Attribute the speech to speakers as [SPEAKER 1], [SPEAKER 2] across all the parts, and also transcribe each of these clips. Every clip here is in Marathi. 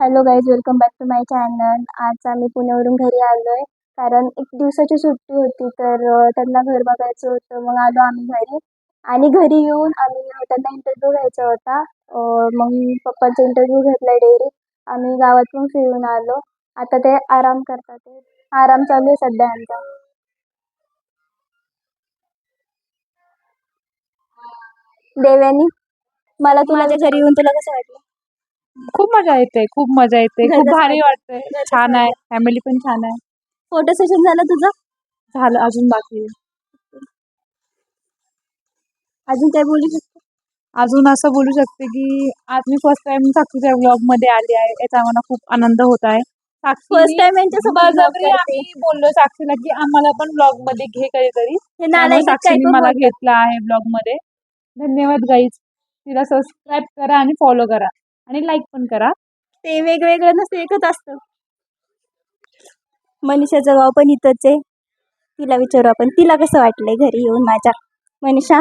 [SPEAKER 1] Hello guys, welcome back to my channel. आज आम्ही पुण्यावरून घरी आलो आहे कारण एक दिवसाची सुट्टी होती तर त्यांना घर बघायचं होतं. मग आलो आम्ही घरी आणि घरी येऊन आम्ही त्यांना इंटरव्ह्यू घ्यायचा होता. मग पप्पांचा इंटरव्ह्यू घेतला डेअरी. आम्ही गावातून फिरून आलो. आता ते आराम करतात. आराम चालू आहे सध्या आमचा. देव्यानी, मला तुला माझ्या घरी येऊन तुला कसं वाटलं?
[SPEAKER 2] खूप मजा येते, खूप मजा येते,
[SPEAKER 1] घर
[SPEAKER 2] खूप
[SPEAKER 1] कसं
[SPEAKER 2] भारी
[SPEAKER 1] वाटलं?
[SPEAKER 2] वाटतंय.
[SPEAKER 1] घर कसं
[SPEAKER 2] छान आहे,
[SPEAKER 1] वाटलं?
[SPEAKER 2] फॅमिली पण छान आहे.
[SPEAKER 1] फोटो सेशन झालं तुझं?
[SPEAKER 2] झालं, अजून बाकी आहे.
[SPEAKER 1] अजून काय बोलू शकतो?
[SPEAKER 2] अजून असं बोलू शकते की आज मी फर्स्ट टाइम साक्षीच्या ब्लॉग मध्ये आली आहे. याचा मला खूप आनंद होत आहे.
[SPEAKER 1] फर्स्ट
[SPEAKER 2] साक्षीने
[SPEAKER 1] टाइम यांच्यासोबत vlog
[SPEAKER 2] बळजबरी
[SPEAKER 1] करते.
[SPEAKER 2] आम्ही बोललो साक्षीला की आम्हाला पण ब्लॉग मध्ये घे कधीतरी.
[SPEAKER 1] हे
[SPEAKER 2] त्यामुळे
[SPEAKER 1] नालायक आहेत, काय
[SPEAKER 2] साक्षीने
[SPEAKER 1] पण
[SPEAKER 2] मला
[SPEAKER 1] बोलतात.
[SPEAKER 2] घेतलं आहे ब्लॉग मध्ये. धन्यवाद गाईज. तिला सबस्क्राईब करा आणि फॉलो करा आणि लाईक पण करा.
[SPEAKER 1] ते वेगवेगळं नसतं, एकच असतं. मनीषाचं गाव पण इथंच आहे. तिला विचारू आपण, तिला कसं वाटलंय घरी येऊन माझ्या. मनीषा,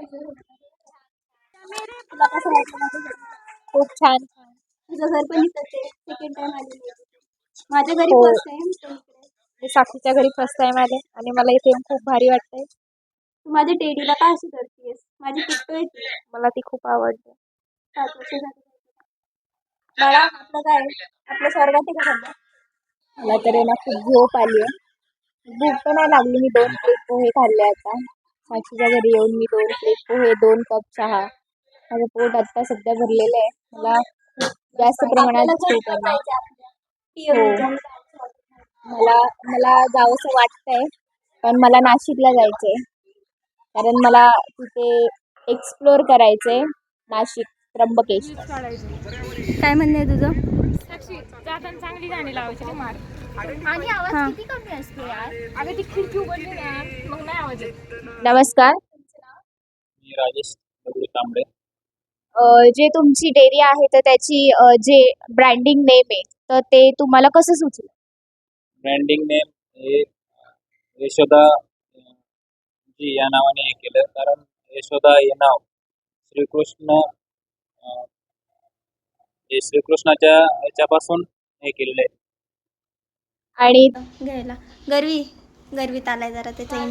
[SPEAKER 1] तुला कसं वाटलं माझ्या घरी?
[SPEAKER 2] खूप छान.
[SPEAKER 1] तुझं घर पण इथंच आहे. सेकंड टाइम आली नाही. माझ्या घरी
[SPEAKER 2] हो,
[SPEAKER 1] फर्स्ट टाइम.
[SPEAKER 2] मी साक्षीच्या घरी फर्स्ट टाइम आले आणि मला इथे येऊन खूप भारी वाटतंय.
[SPEAKER 1] तू माझ्या टेडीला का अशी करतेस? माझी किट्टू आहे ती.
[SPEAKER 2] मला ती खूप आवडते.
[SPEAKER 1] 7 वर्ष झाली. बाळा, आपलं काय आहे? आपलं स्वर्गात आहे का सध्या?
[SPEAKER 2] मला तरी ना खूप झोप आली आहे. भूक पण नाही लागली. मी 2 प्लेट पोहे खाल्ले आता. साक्षीच्या घरी येऊन मी 2 प्लेट पोहे, 2 कप चहा. माझं पोट आता सध्या भरलेलं आहे. मला खूप जास्त प्रमाणात झोप आली. हो, मला मला जावंसं वाटतंय, पण मला नाशिकला जायचंय. कारण मला तिथे एक्सप्लोअर करायचंय. नाशिक, त्र्यंबकेश्वर.
[SPEAKER 1] काय म्हणणं आहे तुझं?
[SPEAKER 3] जाताना चांगली गाणी लावायची नाही मार. आणि
[SPEAKER 1] हा.
[SPEAKER 3] आवाज किती कमी असतो यार. अगं ती खिडकी उघडली ना मग नाही आवाज येत.
[SPEAKER 2] नमस्कार.
[SPEAKER 4] मी राजेश दगडू तांबडे.
[SPEAKER 2] जे तुमची डेअरी आहे तर त्याची जे ब्रँडिंग नेम आहे तर ते तुम्हाला कसं सुचलं?
[SPEAKER 4] ब्रँडिंग नेम हे यशोदा जी या नावाने हे केलं, कारण यशोदा हे नाव श्रीकृष्ण हे श्रीकृष्णाच्या याच्यापासून हे केलेलं आहे.
[SPEAKER 2] आणि
[SPEAKER 1] घ्यायला गरवीत आलाय जरा त्याचा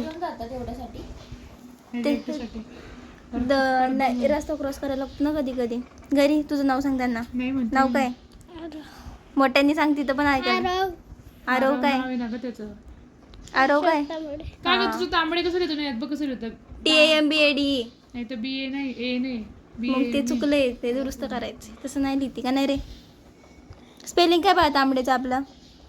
[SPEAKER 1] नाही, रस्ता क्रॉस करायला लागतो ना कधी कधी. घरी तुझं नाव सांग त्यांना. नाव काय? मोठ्यांनी सांग, तिथं पण ऐकायला. आरव काय? आरव काय?
[SPEAKER 3] काय ग तुझं तांबडे कसं लिहितो नाही बघ कसं लिहितं.
[SPEAKER 1] TAMBAD.
[SPEAKER 3] नाही तर BA नाही A नाही
[SPEAKER 1] मग ते चुकलंय, ते दुरुस्त करायचं. तसं नाही लिहिती का नाही रे? स्पेलिंग काय पाहता आंबड्याचं आपलं?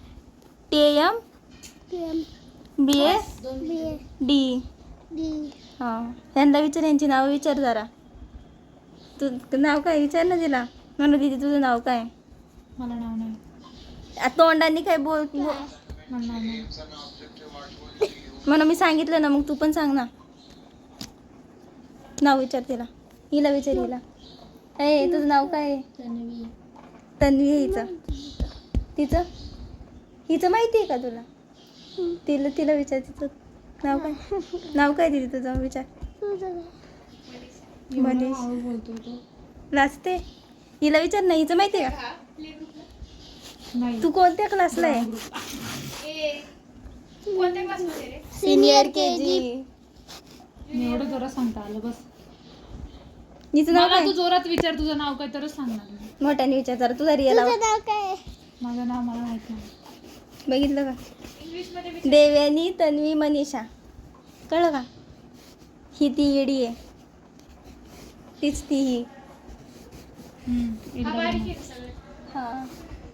[SPEAKER 1] TAMBAD. हां, त्यांना विचार, यांची नावं विचार जरा. तू नाव काय विचार ना तिला. म्हणून दिदी तुझं नाव काय?
[SPEAKER 3] मला नाव नाही.
[SPEAKER 1] तोंडांनी काय बोल.
[SPEAKER 3] मला नाव नाही.
[SPEAKER 1] म्हणून मी सांगितलं ना, मग तू पण सांग ना. नाव विचार तिला. हिला विचार हिला. ए, तुझं नाव काय आहे? तन्वी आहे हिचं. तिचं हिचं माहिती आहे का तुला? तिला विचार, तिचं नाव काय? नाव काय दिदी तुझं? विचार. मनीष.
[SPEAKER 3] बोलतो तो
[SPEAKER 1] लाजते. हिला विचार ना, हिचं माहिती आहे का?
[SPEAKER 3] नाही.
[SPEAKER 1] तू कोणत्या क्लासला आहे?
[SPEAKER 3] कोणत्या क्लासमध्ये रे?
[SPEAKER 1] Senior KG.
[SPEAKER 3] मी एवढं जोरात सांगता आलं बस.
[SPEAKER 1] हिचं नाव
[SPEAKER 3] मला
[SPEAKER 1] काय?
[SPEAKER 3] तू जोरात विचार तुझं नाव काय तरच सांगणार मी.
[SPEAKER 1] मोठ्याने विचार जरा. तुझा रिअल नाव काय?
[SPEAKER 3] माझं नाव मला माहित नाही.
[SPEAKER 1] बघितलं का?
[SPEAKER 3] इंग्लिशमध्ये
[SPEAKER 1] देवयानी तन्वी मनीषा. कळलं का? ही ती येडी आहे. तीच ती ही. हां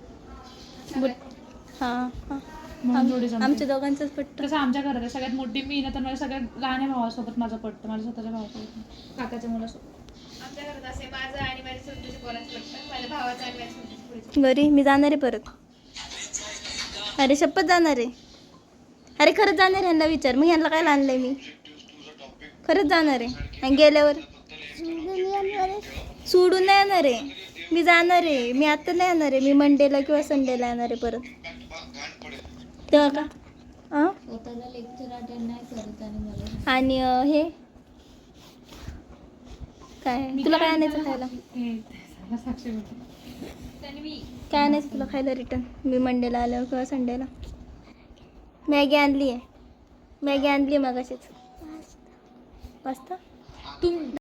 [SPEAKER 1] हां हां.
[SPEAKER 3] म्हणून जोडी जमते.
[SPEAKER 1] आमच्या दोघांचंच पट्ट.
[SPEAKER 3] तसं आमच्या घरात आहे. सगळ्यात मोठी मी ना तर माझ्या सगळ्यात लहान भावासोबत माझं पटतं. माझ्या स्वतःच्या भावासोबत नाही. काकाच्या मुलासोबत. आमच्या घरात असे माझं आणि माझ्या स्वतःच्या पोराचं पटतं. माझ्या भावाचं आणि माझ्या स्वतःच्या पोरीचं.
[SPEAKER 1] बरी, मी जाणार आहे परत. अरे शपथ जाणार आहे. अरे खरंच जाणार आहे. ह्यांना विचार. मग ह्यांना काय आणलंय मी? खरंच जाणार आहे. आणि गेल्यावर सोडून नाही येणार आहे. मी जाणार आहे. मी आता नाही येणार आहे. मी मंडेला किंवा संडेला येणार आहे परत. तेव्हा का? आणि हे काय तुला काय आणायचं खायला?
[SPEAKER 3] साक्षी बोलते. तन्वी
[SPEAKER 1] काय नाही तुला खायला रिटर्न मी मंडेला आल्यावर किंवा संडेला मॅगी आणली आहे मग अशीच पास्ता
[SPEAKER 3] तुम